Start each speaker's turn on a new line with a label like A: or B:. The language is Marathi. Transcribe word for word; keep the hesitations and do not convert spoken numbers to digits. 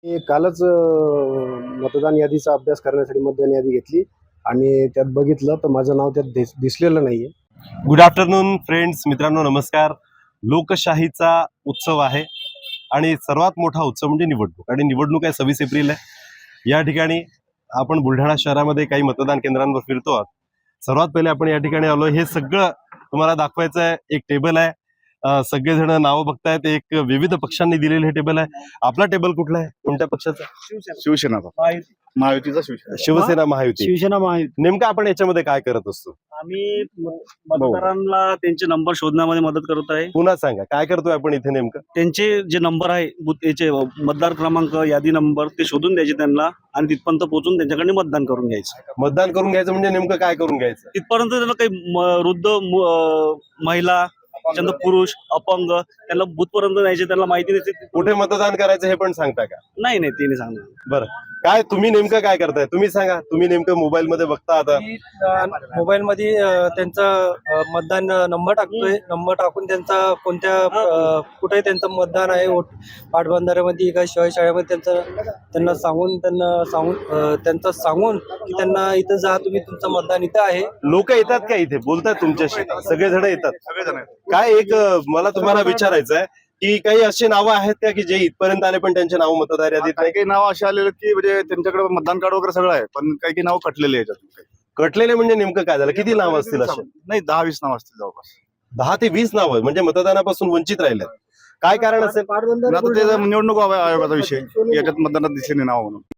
A: मी कालच अ, मतदान यादीचा अभ्यास करण्यासाठी मतदान यादी घेतली आणि त्यात बघितलं तर माझं नाव त्यात दिस दिसलेलं नाहीये.
B: गुड आफ्टरनून फ्रेंड्स, मित्रांनो नमस्कार. लोकशाहीचा उत्सव आहे आणि सर्वात मोठा उत्सव म्हणजे निवडणूक. आणि निवडणूक आहे सव्वीस एप्रिल आहे. या ठिकाणी आपण बुलढाणा शहरामध्ये काही मतदान केंद्रांवर फिरतो आहोत. सर्वात पहिले आपण या ठिकाणी आलो. हे सगळं तुम्हाला दाखवायचं आहे. एक टेबल आहे, अं, सगळेजण नावं बघतायत. एक विविध पक्षांनी दिलेलं हे टेबल आहे. आपला टेबल कुठला आहे, कोणत्या पक्षाचा?
C: शिवसेनाचा, महायुतीचा शिवसेना.
B: शिवसेना महायुती.
D: शिवसेना महायुती.
B: नेमकं आपण याच्यामध्ये काय करत असतो?
D: आम्ही मतदारांना त्यांचे नंबर शोधण्यामध्ये मदत करत आहे.
B: पुन्हा सांगा काय करतोय आपण इथे नेमकं?
D: त्यांचे जे नंबर आहे बूथ याचे मतदार क्रमांक यादी नंबर ते शोधून द्यायचे त्यांना आणि तिथपर्यंत पोहोचून त्यांच्याकडे मतदान करून घ्यायचं.
B: मतदान करून घ्यायचं म्हणजे नेमकं काय करून घ्यायचं?
D: तिथपर्यंत त्यांना काही म- वृद्ध मु- अं, महिला, त्याच्यानंतर पुरुष, अपंग त्यांना बूथ पर्यंत न्यायचे. त्यांना माहिती नसते
B: कुठे मतदान करायचं हे पण सांगता का?
D: नाही नाही ते नाही सांगणार.
B: बरं, काय तुम्ही नेमकं काय करताय तुम्ही सांगा. तुम्ही नेमकं मोबाईल मध्ये बघता आता?
E: मोबाईल मध्ये अ, त्यांचा अ, मतदान नंबर टाकतोय. नंबर टाकून त्यांचा कोणत्या अ, कुठे त्यांचं मतदान आहे, वोट- पाटबंधाऱ्यामध्ये का शिवाय शाळेमध्ये त्यांचं त्यांना सांगून त्यांना सांगून अ, त्यांचं सांगून की त्यांना इथं जा, तुम्ही तुमचं मतदान इथं आहे.
B: लोक येतात का इथे, बोलतात तुमच्याशी? सगळेजण येतात.
C: सगळेजण आहेत.
B: काय एक अं, मला तुम्हाला विचारायचं आहे की काही अशी नावं आहेत का की जे इथपर्यंत आले पण त्यांचे नाव मतदार यादीत
C: काही
B: नाही?
C: काही नाव असे आलेले की म्हणजे त्यांच्याकडे मतदान कार्ड वगैरे सगळं आहे, पण काही काही नाव कटलेले आहेत याच्यातून. काही
B: कटलेले म्हणजे नेमकं काय झालं? किती नाव असतील असे?
C: नाही, दहा वीस नाव असतील जवळपास.
B: दहा ते वीस नाव म्हणजे मतदानापासून वंचित राहिले. काय कारण असेल?
C: पण आता ते निवडणूक आयोगाचा विषय, याच्यात मतदानात दिसले नाही नाव म्हणून.